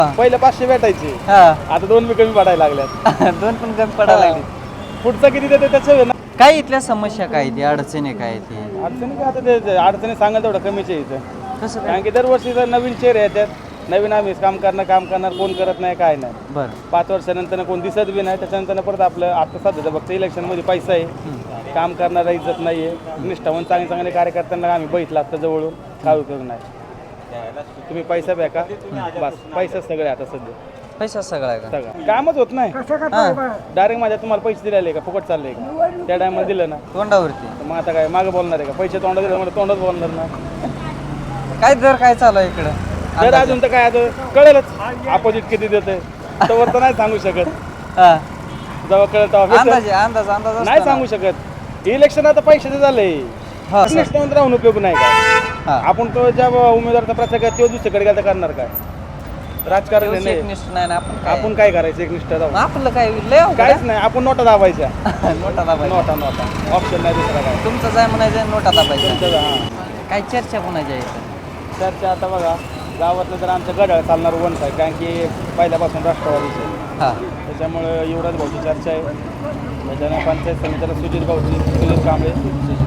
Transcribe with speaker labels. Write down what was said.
Speaker 1: पहिले 500 भेटायचे,
Speaker 2: हा
Speaker 1: आता 2 बी कमी पडायला लागल्यात.
Speaker 2: दोन पण कमी पडायला लागली.
Speaker 1: पुढचं किती देते त्याचं आहे ना.
Speaker 2: काय इथल्या समस्या काय ती अडचणी काय ती
Speaker 1: अडचणी काय आता ते अडचणी सांगाल तेवढं कमीच आहे इथं.
Speaker 2: कसं काय
Speaker 1: कारण की दरवर्षी जर नवीन चेहरे येतात, नवीन आम्ही काम करणार कोण करत नाही काय नाही.
Speaker 2: बरं
Speaker 1: 5 वर्षानंतर कोण दिसत बी नाही. त्याच्यानंतर परत आपलं आता सध्या फक्त इलेक्शनमध्ये पैसा आहे, काम करणारा इज्जत नाही आहे. निष्ठावून चांगले कार्यकर्त्यांना आम्ही बघितलं आता जवळून, काय उपयोग नाही. तुम्ही पैसा बॅका बस, पैसा सगळे आता सध्या
Speaker 2: पैसा सगळा आहे का
Speaker 1: सगळं कामच होत नाही. डायरेक्ट माझ्या तुम्हाला पैसे दिलेले का फुकट चालले का? त्या टायमाला दिलं ना
Speaker 2: तोंडावरती
Speaker 1: तर मग आता काय मागं बोलणार आहे का? पैसे तोंडात दिलं म्हणजे तोंडात बोलणार ना.
Speaker 2: काय दर काय चालू आहे इकडं
Speaker 1: तर अजून तर काय आता कळेलच अपोजिट किती देते, तर नाही सांगू शकत.
Speaker 2: हा
Speaker 1: जेव्हा कळेल तेव्हा
Speaker 2: अंदाज
Speaker 1: भेटेल.
Speaker 2: अंदाज अंदाज असतो
Speaker 1: नाही
Speaker 2: ना.
Speaker 1: सांगू शकत. इलेक्शन आता पैशाचं झालंय,
Speaker 2: हा, सर.
Speaker 1: निष्ठावंत राहून उपयोग नाही काय.
Speaker 2: हा.
Speaker 1: आपण तो ज्या उमेदवाराचा प्रचार करतो तो दुसरीकडे गेला तर करणार काय? राजकारण
Speaker 2: तेवढंच
Speaker 1: नाही.
Speaker 2: एकनिष्ठ नाही ना आपण
Speaker 1: आपण काय करायचं एकनिष्ठ राहून?
Speaker 2: आपलं काय लय अवघड
Speaker 1: काहीच
Speaker 2: आहे.
Speaker 1: नाही. आपण नोटा दाबायच्या.
Speaker 2: नोटा दाबायच्या
Speaker 1: नोटा ऑप्शन नाही दुसरा काय.
Speaker 2: तुमचं जाय म्हणायचं नोटा दाबायच्या
Speaker 1: तुमचं हां
Speaker 2: काय चर्चा कोणाच्या इथं
Speaker 1: चर्चा आता बघा गावातलं तर आमचं गडाळ चालणार वंश आहे, कारण की पहिल्यापासून राष्ट्रवादीचे
Speaker 2: हा
Speaker 1: त्याच्यामुळं युवराज भाऊची चर्चा आहे. त्याच्यानं पंचायत समितीला सुजित कांबळे